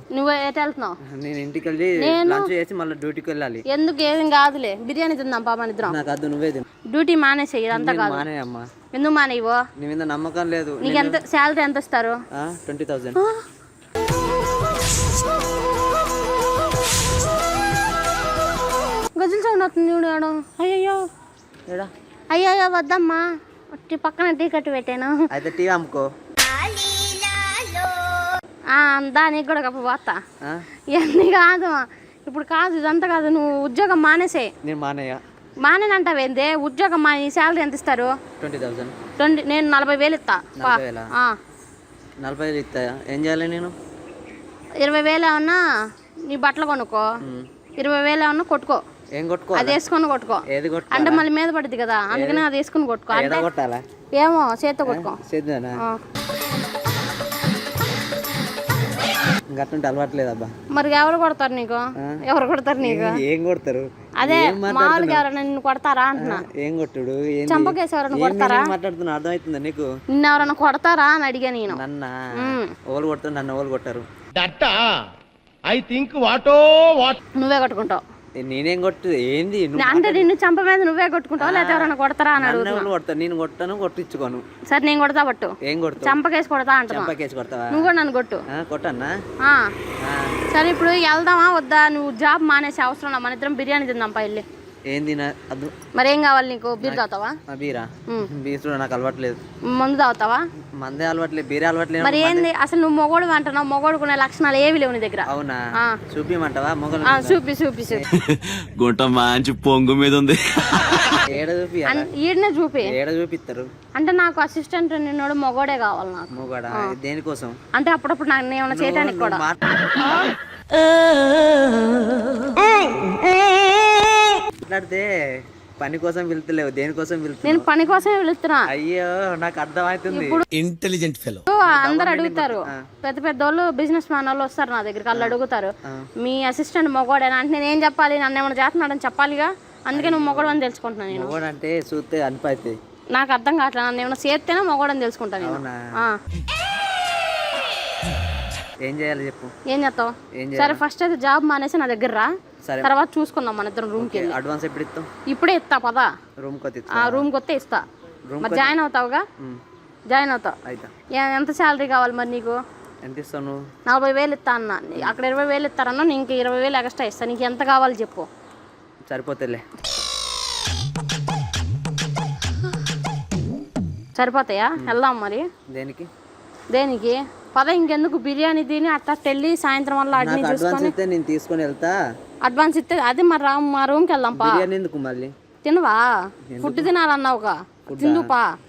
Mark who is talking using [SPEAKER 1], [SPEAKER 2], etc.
[SPEAKER 1] నువ్వు ఎటు వెళ్తున్నావు?
[SPEAKER 2] నేను ఇంటికి వెళ్ళి లంచ్ చేసి మళ్ళీ డ్యూటీకి వెళ్ళాలి.
[SPEAKER 1] ఎందుకు? ఏం కాదులే, బిర్యానీ తిందాం పాప ఇద్దరం.
[SPEAKER 2] నాకు వద్దు, నువ్వే తిను.
[SPEAKER 1] డ్యూటీ మానేసేయి, ఇదంతా కాదు.
[SPEAKER 2] మానే అమ్మా.
[SPEAKER 1] ఎందుకు మానేవో?
[SPEAKER 2] నీ మీద నమ్మకం లేదు.
[SPEAKER 1] నీకు ఎంత శాలరీ ఎంత ఇస్తారు?
[SPEAKER 2] 20,000.
[SPEAKER 1] గజులు సౌండ్ అవుతుంది చూడు. అయ్యో అయ్యో వద్దమ్మా, పక్కన టీ కట్టు పెట్టాను.
[SPEAKER 2] అయితే టీ అమ్ముకో.
[SPEAKER 1] దానికి కూడా కప్పు పోతా. ఇవన్నీ కాదు ఇప్పుడు, కాదు ఇదంతా కాదు. నువ్వు ఉద్యోగం మానేసే.
[SPEAKER 2] నేను
[SPEAKER 1] మానేనంటావేందే? ఉద్యోగం మా శాలరీ ఎంత ఇస్తారు?
[SPEAKER 2] 20,000.
[SPEAKER 1] నేను 40,000 ఇస్తా.
[SPEAKER 2] 40,000 ఇస్తాయా? ఏం చేయాలి నేను?
[SPEAKER 1] 20,000 ఏమన్నా నీ బట్టలు కొనుక్కో, 20,000 ఏమన్నా కొట్టుకో.
[SPEAKER 2] ఏం కొట్టుకో?
[SPEAKER 1] అది వేసుకొని కొట్టుకో.
[SPEAKER 2] ఏది కొట్టుకో?
[SPEAKER 1] అంటే మళ్ళీ మీద పడుద్ది కదా, అందుకని అది వేసుకుని కొట్టుకో.
[SPEAKER 2] కొట్టాలా?
[SPEAKER 1] ఏమో చేత్తో కొట్టుకో.
[SPEAKER 2] చేద్దానా? గట్టుంటే అలవాట్లేదు అబ్బా.
[SPEAKER 1] మరి ఎవరు కొడతారు నీకు? ఎవరు కొడతారు నీకు?
[SPEAKER 2] ఏం కొడతారు?
[SPEAKER 1] అదే మామూలుగా ఎవరైనా నిన్ను కొడతారా అంటున్నా.
[SPEAKER 2] ఏం కొట్టుడు?
[SPEAKER 1] చంపకేసి ఎవరైనా కొడతారా?
[SPEAKER 2] మాట్లాడుతున్నా అర్థమవుతుందా నీకు?
[SPEAKER 1] నిన్న ఎవరైనా కొడతారా అని అడిగా నేను.
[SPEAKER 2] నన్న ఓలు కొడతారు, నన్ను ఓలు కొట్టారు.
[SPEAKER 1] నువ్వే కొట్టుకుంటావు.
[SPEAKER 2] నేనేం కొట్టు? ఏంది
[SPEAKER 1] అంటే నిన్ను చంప మీద నువ్వే కొట్టుకుంటావు, లేదా ఎవరైనా కొడతారా అని అడుగుతాను.
[SPEAKER 2] కొడతాను, నేను కొట్టాను, కొట్టించుకోను.
[SPEAKER 1] సరే నేను కొడతా పట్టు.
[SPEAKER 2] ఏం కొడతా?
[SPEAKER 1] చంపకేసి కొడతా అంటున్నా.
[SPEAKER 2] చంపకేసి కొడతావా?
[SPEAKER 1] నువ్వు కూడా నన్ను కొట్టు.
[SPEAKER 2] కొట్టన్నా?
[SPEAKER 1] సరే ఇప్పుడు వెళ్దామా వద్దా? నువ్వు జాబ్ మానేసే అవసరం నా, మన ఇద్దరం బిర్యానీ తిందాం పా వెళ్ళి.
[SPEAKER 2] ఏం తిన అద్దు.
[SPEAKER 1] మరి ఏం కావాలి నీకు? బీర్ తాగుతావా?
[SPEAKER 2] బీరా? బీర్ చూడ నాకు అలవాట్లేదు.
[SPEAKER 1] మందు తాగుతావా?
[SPEAKER 2] మందే అలవాట్లేదు, బీరే అలవాట్లేదు.
[SPEAKER 1] మరి ఏంది అసలు? నువ్వు మొగోడు అంటున్నావు, మొగోడుకునే లక్షణాలు ఏవి లేవు నీ దగ్గర.
[SPEAKER 2] అవునా? చూపిమంటావా? మొగలు
[SPEAKER 1] చూపి
[SPEAKER 3] గుంట మంచి పొంగు మీద ఉంది.
[SPEAKER 2] ఏడ చూపి?
[SPEAKER 1] ఈడనే చూపి.
[SPEAKER 2] ఏడ చూపిస్తారు?
[SPEAKER 1] అంటే నాకు అసిస్టెంట్ నిన్నోడు మొగోడే కావాలి నాకు.
[SPEAKER 2] మొగోడా? దేనికోసం?
[SPEAKER 1] అంటే అప్పుడప్పుడు నాకు ఏమైనా చేయడానికి కూడా.
[SPEAKER 2] మాట్లాడితే పని కోసం వెళ్తలేవు, దేనికోసం వెళ్తున్నా?
[SPEAKER 1] నేను పని కోసమే వెళ్తున్నా.
[SPEAKER 2] అయ్యో నాకు అర్థమవుతుంది.
[SPEAKER 3] Intelligent fellow.
[SPEAKER 1] అందరు అడుగుతారు, పెద్ద పెద్ద వాళ్ళు బిజినెస్ మ్యాన్ వాళ్ళు వస్తారు నా దగ్గరికి, వాళ్ళు అడుగుతారు మీ అసిస్టెంట్ మొగోడేనా అంటే నేను ఏం చెప్పాలి? నన్ను ఏమైనా చేస్తున్నాడని చెప్పాలిగా, అందుకే నువ్వు మొగోడు అని తెలుసుకుంటున్నాను నేను.
[SPEAKER 2] మొగోడు అంటే చూస్తే అనిపైతే
[SPEAKER 1] నాకు అర్థం కావట్లేదు. నన్ను ఏమైనా చేస్తేనే మొగోడు అని తెలుసుకుంటాను నేను.
[SPEAKER 2] ఏం చేయాలి చెప్పు?
[SPEAKER 1] ఏం చేస్తావు? సరే ఫస్ట్ అయితే జాబ్ మానేసి నా దగ్గర రా, తర్వాత చూసుకుందాం మన ఇద్దరం రూమ్కి వెళ్ళి.
[SPEAKER 2] అడ్వాన్స్ ఎప్పుడు ఇస్తాం?
[SPEAKER 1] ఇప్పుడే ఇస్తా పదా.
[SPEAKER 2] రూమ్కి
[SPEAKER 1] వస్తే ఇస్తా. మరి జాయిన్ అవుతావుగా? జాయిన్ అవుతావు. ఎంత శాలరీ కావాలి మరి నీకు?
[SPEAKER 2] ఎంత ఇస్తాను?
[SPEAKER 1] 40,000 ఇస్తా అన్న. అక్కడ 20,000 ఇస్తారన్నా, నీకు 20,000 ఎక్స్ట్రా ఇస్తా. నీకు ఎంత కావాలి చెప్పు.
[SPEAKER 2] సరిపోతేలే.
[SPEAKER 1] సరిపోతాయా? వెళ్దాం మరి. దేనికి పద, ఇంకెందుకు? బిర్యానీ తిని అట్లా వెళ్ళి సాయంత్రం వల్ల
[SPEAKER 2] నేను తీసుకొని వెళ్తా.
[SPEAKER 1] అడ్వాన్స్ ఇస్తే అది మరి మా రూమ్కి వెళ్దాం పా.
[SPEAKER 2] ఎందుకు మళ్ళీ?
[SPEAKER 1] తినవా? ఫుడ్ తినాలన్నావుగా, తిందుపా.